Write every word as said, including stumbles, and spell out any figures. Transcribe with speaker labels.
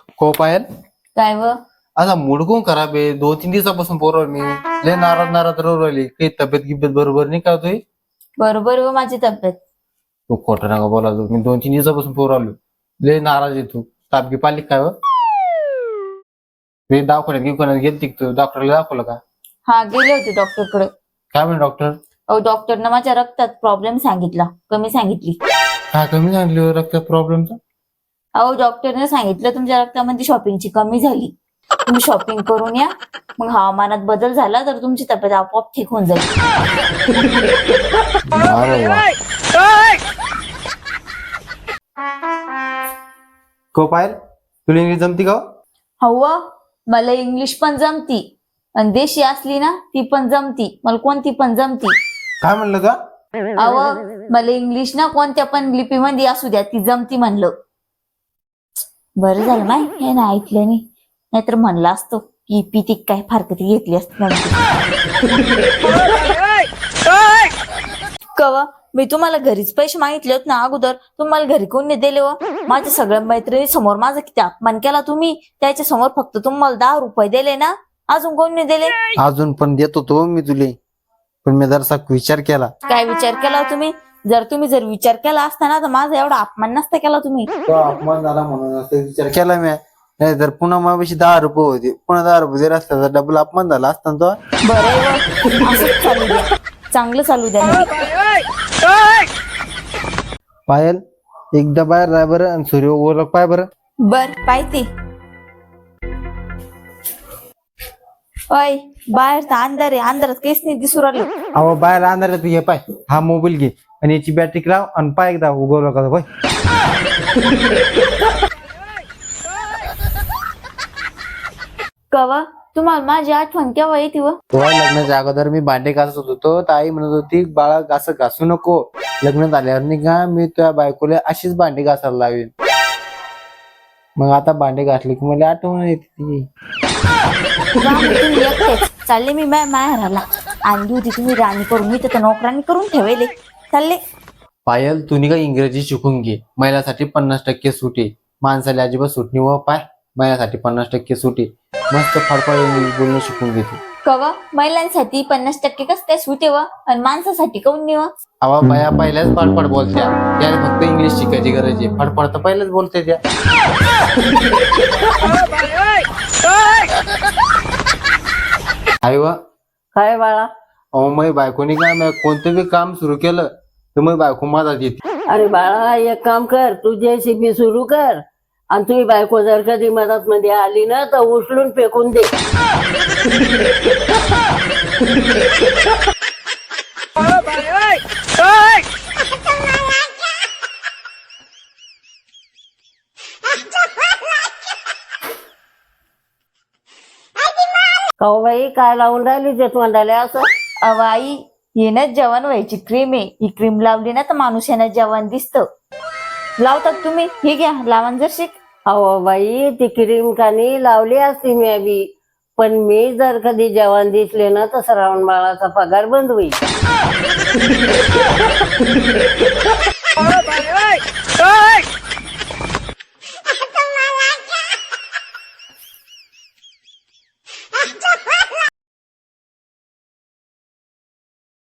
Speaker 1: को पायल
Speaker 2: काय व
Speaker 1: असा मूड कोण खराब आहे. दोन तीन दिवसापासून पोरवल मी लय नाराज नाराज राहिली. काही तब्येत गिब्येत बरोबर नाही का तुझी?
Speaker 2: बरोबर व माझी तब्येत.
Speaker 1: तू खोटं नका बोला. तू मी दोन तीन दिवसापासून पोरवलो लय नाराज आहे तू. ताप गी पाली काय व? मी दवाखान्यात गिवखान्यात गेलती तू डॉक्टरला दाखवलं का?
Speaker 2: हा गेले होते डॉक्टर कडे.
Speaker 1: काय म्हणे डॉक्टर?
Speaker 2: अहो डॉक्टरनं माझ्या रक्तात प्रॉब्लेम सांगितला, कमी सांगितली.
Speaker 1: काय कमी सांगली रक्तात प्रॉब्लेमचा?
Speaker 2: अहो डॉक्टरने सांगितलं तुमच्या रक्तामध्ये शॉपिंगची कमी झाली, तुम्ही शॉपिंग करून या. मग हवामानात बदल झाला तर तुमची तब्येत आपोआप ठीक होऊन जाईल.
Speaker 1: अरे वा. को पायल तुला इंग्लिश जमती का?
Speaker 2: हवा मला इंग्लिश पण जमती आणि देशी असली ना ती पण जमती. मला कोणती पण जमती.
Speaker 1: काय म्हणलं का?
Speaker 2: अव मला इंग्लिश ना कोणत्या पण लिपीमध्ये असू द्या ती जमती म्हणलं. बरं झालं माय हे ना ऐकलं नाही, नाहीतर म्हणलं असतो की पिती काय फारकती घेतली असती. कवा मी तुम्हाला घरीच पैसे मागितले होते ना अगोदर, तुम्हाला घरी कोण नाही दिले व? माझ्या सगळ्या मैत्रिणी समोर माझा किती अपमान केला तुम्ही. त्याच्या समोर फक्त तुम्हाला दहा रुपये दिले ना, अजून कोण नाही दिले?
Speaker 1: अजून पण देतो तो मी तुले, पण मी जरासा विचार केला.
Speaker 2: काय विचार केला तुम्ही? जर तुम्ही जर विचार केला असता ना तर माझा एवढा अपमान नसता केला तुम्ही.
Speaker 1: तो अपमान झाला म्हणून असं विचार केला मी. नाही तर पुन्हा माझ्याशी दहा रुपये होते, पुन्हा दहा रुपये जर असता तर डबल अपमान झाला असता तो.
Speaker 2: बरं असंच चालू द्या, चांगलं चालू द्या.
Speaker 1: पायल एकदा बाहेर राह बरं आणि सूर्य ओळख पाय बरं.
Speaker 2: बर पाहिजे. अय बाहेर तर अंधार आहे, अंधारात काहीच नाही दिसू राहिलं.
Speaker 1: अहो बाहेर आणणार तू हे पाय, हा मोबाईल घे आणि याची बॅटरी लाव आणि पाय एकदा उगवलं का होय.
Speaker 2: कवा तुम्हाला माझी आठवण केव्हा येते व?
Speaker 1: तेव्हा लग्नाच्या अगोदर मी भांडे घासत होतो तर आई म्हणत होती बाळा घास घासू नको, लग्न झाल्यावर नाही का मी तुझ्या बायकोला अशीच भांडे घासायला लावेन. मग आता भांडे घासले की मला आठवण येते ती.
Speaker 2: तुम्ही एकटेच चालले, मी माय माहेराला आणली होती तुम्ही राणी करून, मी तर नोकरांनी करून ठेवले चालले.
Speaker 1: पायल तुम्ही का इंग्रजी शिकून घे, महिलासाठी पन्नास टक्के सूट आहे. माणसाला अजिबात सूट नाही व पाय, महिलासाठी पन्नास टक्के सूट आहे. मस्त फडफड बोलणं शिकून घेते.
Speaker 2: कवा महिलांसाठी पन्नास टक्के कस काय सूट आहे व? आणि माणसासाठी काऊन नाही व?
Speaker 1: अवा बाया पहिल्याच फडफड बोलत्या, त्याला फक्त इंग्लिश शिकायची गरज आहे. फडफड तर पहिलेच बोलते त्या. आई वा
Speaker 3: काय बाळा?
Speaker 1: अहो माझी बायकोनी काय मग कोणतं बी काम सुरू केलं तर मग बायको माझा येते.
Speaker 3: अरे बाळा एक काम कर, तू जेसीबी सुरू कर आणि तुझी बायको जर कधी मदत मध्ये आली ना तर उचलून फेकून दे. काऊ बाई काय लावून राहिली ते तोंडाला असं?
Speaker 2: अव आई हे ना जेवण व्हायची क्रीम आहे, ही क्रीम लावली ना तर माणूस यानं जेवण दिसतं. लावतात तुम्ही? हे घ्या लावण जर शिक.
Speaker 3: अहो बाई ती क्रीम कानी लावली असती मी बी, पण मी जर कधी जेवण दिसले ना तर श्रावण बाळाचा पगार बंद होईल.